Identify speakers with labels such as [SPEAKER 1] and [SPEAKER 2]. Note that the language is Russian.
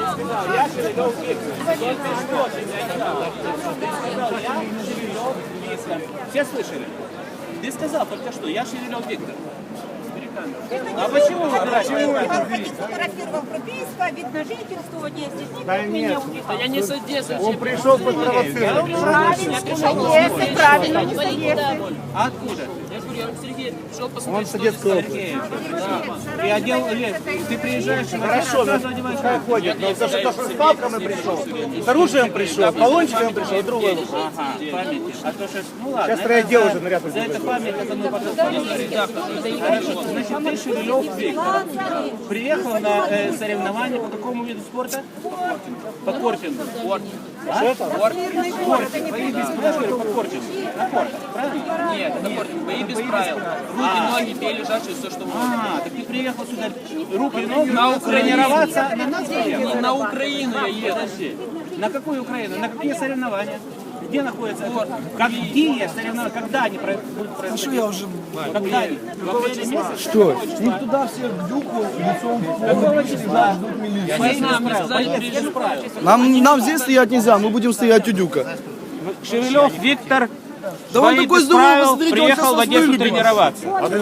[SPEAKER 1] Я Шевелев Виктор. Все слышали? Ты сказал только что, я Шевелев Виктор. А почему вы
[SPEAKER 2] Фотографировал прописка, вид на жительство, здесь никто меня убил.
[SPEAKER 3] А я не с Одессы.
[SPEAKER 4] Он пришел подпровоцировать.
[SPEAKER 2] Правильно, не с Одессы.
[SPEAKER 1] Откуда?
[SPEAKER 3] Я говорю, я Сергей пришел
[SPEAKER 4] Он
[SPEAKER 3] посмотреть,
[SPEAKER 4] с
[SPEAKER 3] что
[SPEAKER 4] Одесской
[SPEAKER 3] здесь.
[SPEAKER 4] области.
[SPEAKER 1] И одел, ты приезжаешь,
[SPEAKER 4] Хорошо,
[SPEAKER 1] сразу одеваешь.
[SPEAKER 4] пускай ходит. Но за что с палками пришел, с оружием пришел, баллончиками пришел, другой.
[SPEAKER 1] Ага, памяти. А то что, ну ладно.
[SPEAKER 4] Сейчас райотдел уже наряд
[SPEAKER 1] За это память, это мы потом поговорим. Хорошо, значит, ты Шевелев Виктор. Приехал на соревнования по какому виду спорта? По кортингу. Что это? Кортинг. Бои без правил по кортингу. На кортах, правильно?
[SPEAKER 3] Нет, это бои без правил. Руки, ноги, бей лежачие, все, что можно.
[SPEAKER 1] А, так ты приехал сюда руки и ноги тренироваться на нас приехал?
[SPEAKER 3] На Украину я еду.
[SPEAKER 1] Подожди. На какую Украину? На какие соревнования? Где находятся? Какие соревнования? Когда они будут происходить? Что я уже... Когда они? В апреле месяце?
[SPEAKER 4] Что? Их туда всех к дюку, лицом
[SPEAKER 1] Какого числа?
[SPEAKER 3] Я не знаю, мне сказали, пережить.
[SPEAKER 4] Нам здесь стоять нельзя, мы будем стоять у дюка.
[SPEAKER 1] Шевелев Виктор,
[SPEAKER 4] Да он
[SPEAKER 1] бои
[SPEAKER 4] такой
[SPEAKER 1] без
[SPEAKER 4] здоровый,
[SPEAKER 1] правил,
[SPEAKER 4] смотрите, он
[SPEAKER 1] приехал
[SPEAKER 4] сейчас
[SPEAKER 1] в
[SPEAKER 4] нас
[SPEAKER 1] Одессу
[SPEAKER 4] вырубит.
[SPEAKER 1] тренироваться.